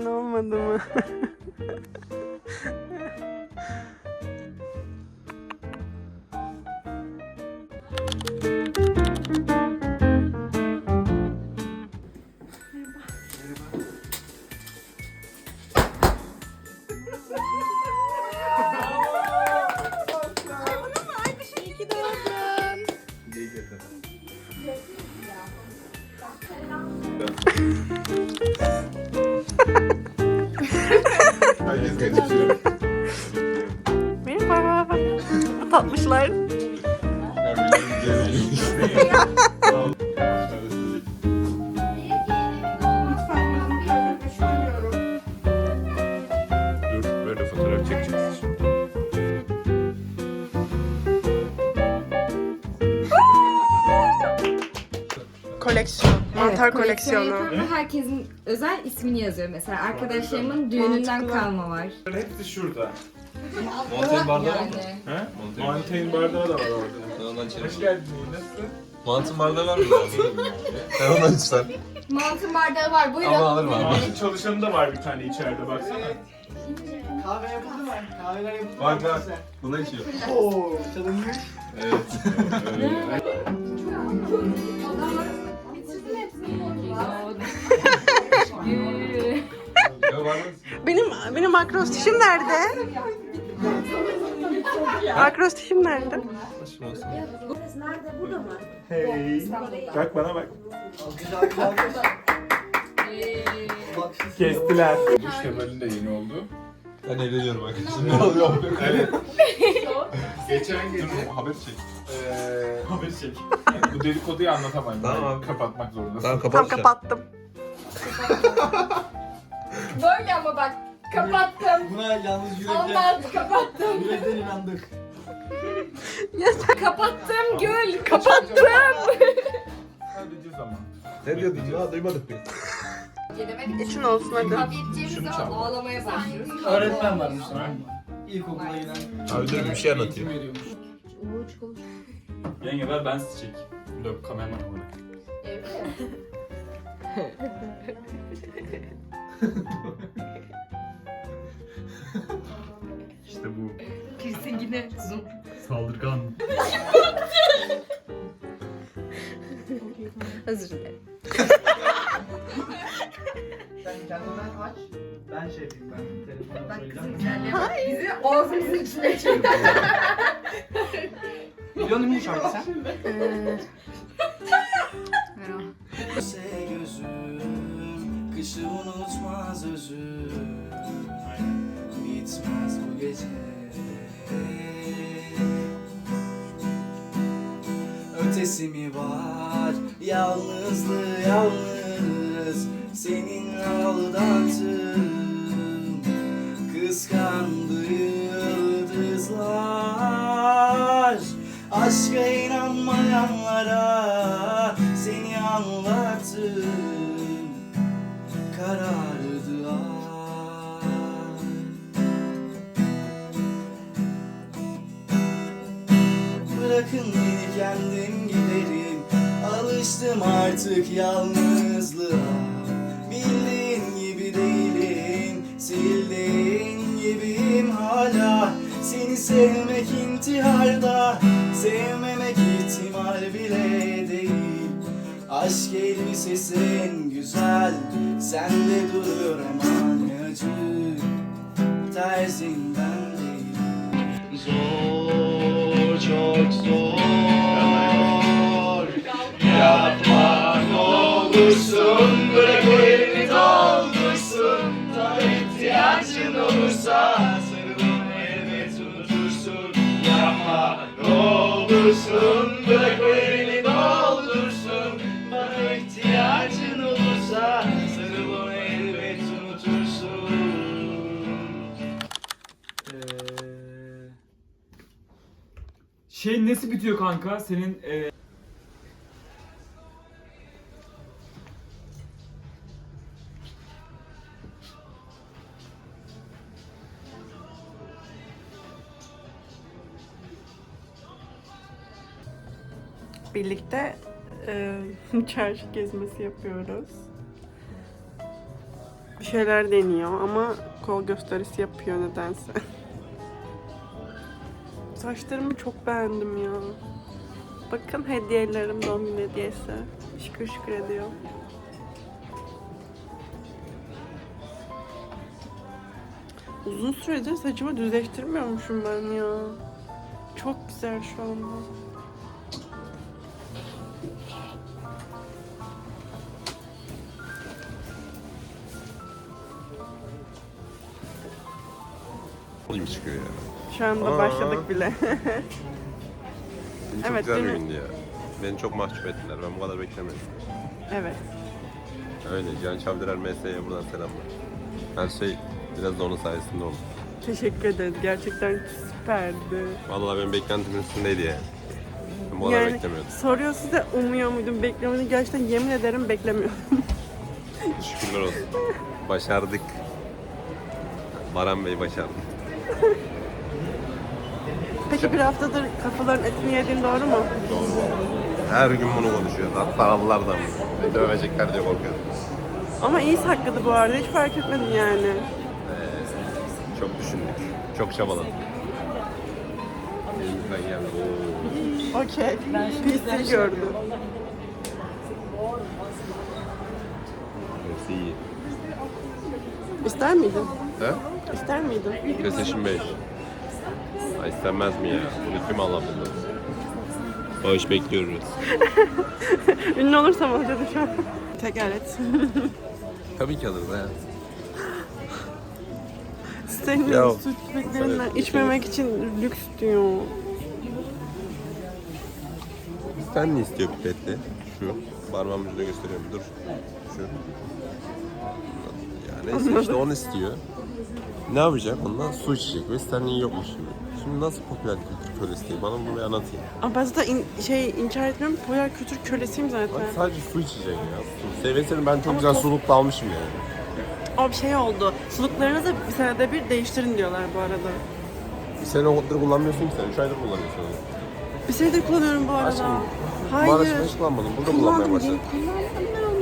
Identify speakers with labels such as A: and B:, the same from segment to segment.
A: olmadı mı?
B: Herkes geçiyor.
A: Merhaba. Tatlışlar.
B: Dur, böyle fotoğraf çekeceğiz şimdi.
A: Koleksiyon. Mantar
C: koleksiyon
A: koleksiyonu.
C: yapan ve herkesin özel ismini yazıyor mesela. Arkadaşlarımın düğününden
A: Mantıklı.
C: kalma var.
D: Hepsi şurada.
E: Montaigne bardağı var mı?
D: He?
E: Montaigne.
D: Montaigne bardağı da var orada.
E: Ben ondan içerim.
D: Hoş geldin. Nasılsın?
E: Montaigne bardağı var mı? Ben ondan içsem.
C: Mantı bardağı var, buyurun.
E: Ama alırım abi.
D: Ağzın çalışanı da var bir tane içeride baksana.
F: Kahve yapıldı mı? Kahveler yapıldı mı?
E: Bak bak. Buna içiyor.
F: Oo, çalınmış.
E: Evet. Ya var mı?
A: Benim akrostişim nerede? Akrostişim nerede?
E: Başım olsun.
D: Hey. Bak bana bak.
F: Alkış alkış. Bak siz.
D: Kestiler. Bu Şevval'in de yeni oldu.
E: Ben evleniyorum arkadaşım. Ne oluyor?
D: Evet. Geçen gece
E: Haber çek.
D: haber çek. Bu dedikoduyu anlatamayım.
E: Tamam
D: Yani
E: abi.
D: kapatmak zorundasın.
E: Tamam
A: Tam
E: kapat.
A: kapattım.
C: Böyle ama bak, kapattım.
F: Buna yalnız yürekten,
C: Anlat, kapattım.
F: yürekten inandık.
C: Kapattım Gül,
A: Kapattım.
D: Sadece zaman.
E: Ne diyordun ya? Duymadık biz.
A: İçin olsun hadi.
D: Şunu çal.
C: Ağlamaya başlıyoruz.
F: Öğretmen varmış tamam mı? İlkokula giden.
E: Abi dur bir şey anlatayım.
F: Eğitim veriyormuş.
G: Yenge ver ben sizi çek. Yok kameraman olarak. İşte bu.
C: Piercing'ine zoom.
G: Saldırgan.
C: Özür dilerim.
F: Sen kendinden aç. Ben şey yapayım ben telefonu söyleyeceğim.
C: Bizi ağzımızın içine çek.
F: Biliyor musun bu şarkı sen?
H: Se gözüm, kışı unutmaz özüm. Bitmez bu gece. Ötesi mi var, yalnızlığı yalnız. Seninle aldattım, kıskandı yıldızlar. Aşka inanmayanlara seni anlattım. Karardı ay. Bırakın beni kendim giderim. Alıştım artık yalnızlığa. Bildiğin gibi değilim, sildiğin gibiyim hala. Seni sevmek intiharda, sevmemek ihtimal bile değil. Aşk elbisesin güzel, sende duruyor aman acı. Terzinden değil. Zor, çok zor. Yapma ne olursun, bırak o elini doldursun. Bana ihtiyacın olursa sarılın elbet unutursun. Yapma ne olursun, bırak o elini doldursun. Bana ihtiyacın olursa sarılın elbet unutursun.
G: Şey nesi bitiyor kanka? Senin
A: Birlikte çarşı gezmesi yapıyoruz. Bir şeyler deniyor ama kol gösterisi yapıyor nedense. Saçlarımı çok beğendim ya. Bakın hediyelerim, doğum günü hediyesi. Şükür şükür ediyor. Uzun süredir saçımı düzleştirmiyormuşum ben ya. Çok güzel şu anda.
E: İyi çıkıyor ya.
A: Şu anda başladık bile.
E: Bugün çok
A: Evet,
E: güzel bir
A: değil mi?
E: gündü ya. Beni çok mahcup ettiler. Ben bu kadar beklemiyordum.
A: Evet.
E: Öyle. Can Çavdirer MS'ye buradan selamlar. Her şey biraz da onun sayesinde oldu.
A: Teşekkür ederiz. Gerçekten süperdi.
E: Vallahi benim beklentimin üstündeydi yani. Ben bu kadar
A: Yani
E: beklemiyordum.
A: soruyorsunuz da umuyor muydum, bekliyor muydum? Gerçekten yemin ederim beklemiyordum.
E: Şükürler olsun. Başardık. Baran Bey başardı.
A: Peki bir haftadır kafaların etini yediğin doğru mu?
E: Her gün bunu konuşuyoruz. Hatta Allah'lardan. Beni dövecekler diye korkuyorum.
A: Ama iyi sakladı bu arada. Hiç fark etmedim yani.
E: Çok düşündük. Çok çabaladık. Elimizden geldi. Oo.
A: Okey. PC gördü.
E: Hepsi iyi.
A: İster miydin?
E: He?
A: İster miydin?
E: PlayStation 5. Ay istenmez mi ya? Bunu kim alabilir? Bağış bekliyoruz.
A: Ünlü olursam alacağım şu an. Tekrar et.
E: Tabii ki alırız ha.
A: Senin
E: Ya,
A: süt beklerinden
E: evet,
A: içmemek için lüks diyor.
E: Sen ne istiyor pipetli? Şu. Parmağımın ucuna gösteriyorum. Dur. Şu. Ya neyse işte onu istiyor. Ne yapacak? Ondan su içecek. Ve Stanley yokmuş şimdi. Şimdi nasıl popüler kültür kölesi değil? Bana bunu bir anlatayım.
A: Ama ben zaten inkar etmiyorum. Popüler kültür kölesiyim zaten.
E: Bak sadece su içecek ya. Su. Seviyesini ben çok
A: Ama
E: güzel
A: çok-
E: sulukla almışım yani.
A: O bir şey oldu. Suluklarınızı bir senede bir değiştirin diyorlar bu arada.
E: Bir sene odur kullanmıyorsun ki sen. 3 aydır kullanıyorsun onu.
A: Bir senedir kullanıyorum bu arada.
E: Aşkım,
A: Hayır.
E: Maraş'ta hiç kullanmadım. Burada kullanmaya başladım.
A: Kullandım ben onu.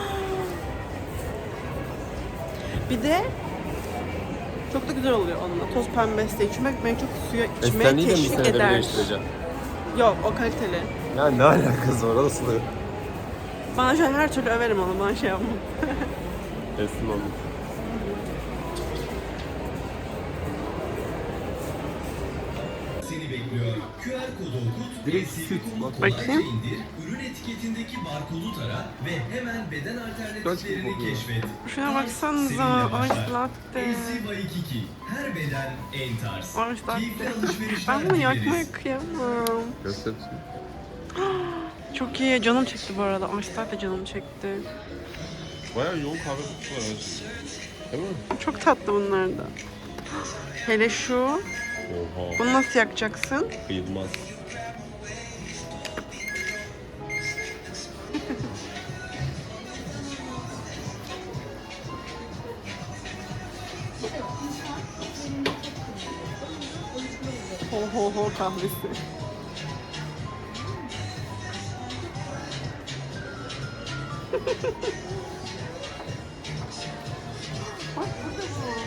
A: Bir de çok da güzel oluyor onunla. Toz pembesi de içmek beni çok suya içmeye
E: Stanley'i de mi bir
A: teşvik
E: senede bir
A: eder.
E: değiştireceğim?
A: Yok o kaliteli.
E: Ya ne alakası var orası da?
A: Bana şu an her türlü överim onu. Bana şey yapmam.
E: Teslim oldum.
H: Seni bekliyor. QR kodu okut, resmi
A: Bakayım.
H: indir, ürün etiketindeki barkodu tara ve hemen beden alternatiflerini keşfet.
A: Şuna baksanıza. Ice latte.
H: AC Waikiki. Her beden en tarz.
A: Ice
H: Keyifli
A: latte.
H: alışverişler
A: Ben bunu
H: dileriz.
A: yakmaya kıyamam.
E: Göstersin.
A: Çok iyi. Canım çekti bu arada. Ice latte canım çekti.
E: Bayağı yoğun kahve kokusu var arasında. Değil mi?
A: Çok tatlı bunlar da. Hele şu.
E: Oha.
A: Bunu nasıl yakacaksın?
E: Kıyılmaz.
A: Ho ho ho kahvesi. Bak burada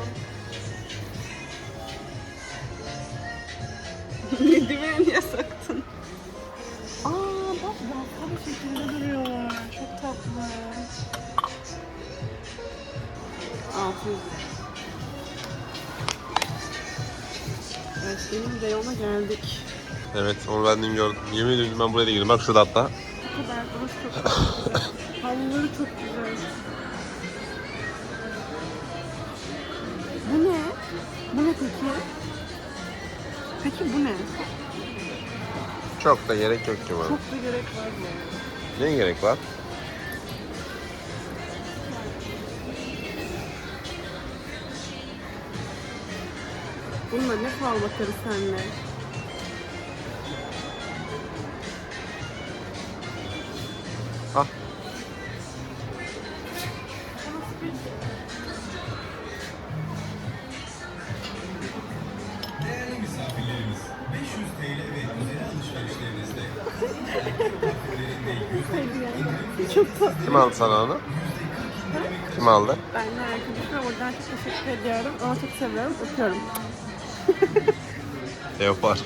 A: bu. Dibine niye saktın? Aa bak yafta bir şekilde duruyorlar. Çok tatlı. Afiyet. Evet benim reyona geldik.
E: Evet, onu ben dün gördüm. Yemin ediyorum ben buraya da girdim. Bak şurada hatta.
A: Bu kadar burası çok güzel. Havluları çok güzel. Bu ne? Bu ne peki? Peki bu ne?
E: Çok da gerek yok ki bana.
A: Çok da gerek var mı?
E: Ne gerek var?
A: Bununla ne fal bakarız seninle?
E: Ah.
H: Değerli misafirlerimiz, 500 TL ve üzeri alışverişlerinizde
A: Çok tatlı.
E: Kim aldı sana onu?
H: %40 indirime
E: Kim aldı?
A: Ben de arkadaşıma buradan çok teşekkür ediyorum. Ama çok seviyorum. Öpüyorum.
E: Leopar.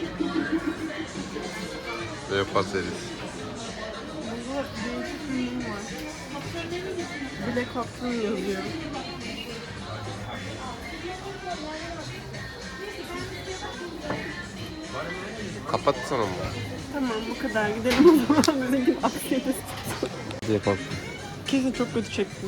E: Leopar serisi.
A: Burada değişik bir ürün var. Black Hawk'un yazıyor.
E: Kapatsana mı?
A: Tamam bu kadar. Gidelim o zaman. Bizimkinin aksiyonist.
E: Leopar.
A: Kesin çok kötü çektim.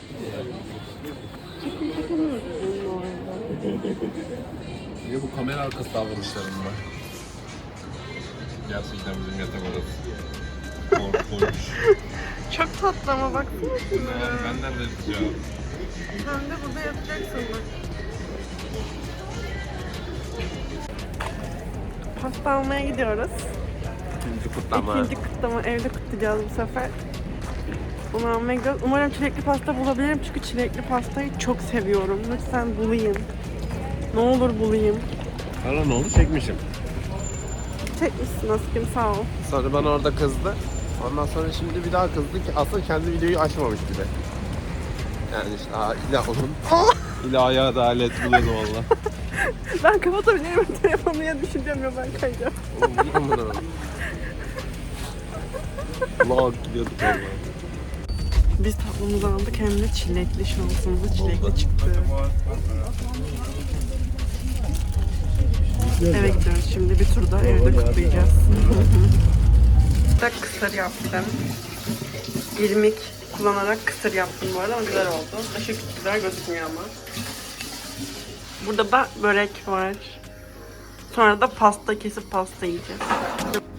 B: Ya bu kamera arkası davranışlarında. Gerçekten bizim yatak odası. Korkunç.
A: Çok tatlı ama baksana şuna.
B: Yani benden de rica.
A: Sen de burada yatacaksın bak. Pasta almaya gidiyoruz.
E: İkinci kutlama.
A: İkinci kutlama evde kutlayacağız bu sefer. Onu almaya gidiyoruz. Umarım çilekli pasta bulabilirim çünkü çilekli pastayı çok seviyorum. Lütfen bulayım. Ne olur bulayım.
E: Sonra ne oldu? Çekmişim.
A: Çekmişsin aşkım sağ ol.
E: Sonra bana orada kızdı. Ondan sonra şimdi bir daha kızdı ki aslında kendi videoyu açmamış bile. Yani işte illa onun. İlahi adalet buluyordu valla.
A: Ben kapatabilirim telefonu ya düşüneceğim ya ben kayacağım.
E: Oğlum bunu. Vlog gidiyorduk valla.
A: Biz tatlımızı aldık hem de çilekli şansımıza çilekli çıktı. Eve gidiyoruz şimdi bir turda evde kutlayacağız. Kısır yaptım. İrmik kullanarak kısır yaptım bu arada ama güzel oldu. Aşırı güzel gözükmüyor ama. Burada da börek var. Sonra da pasta kesip pasta yiyeceğiz.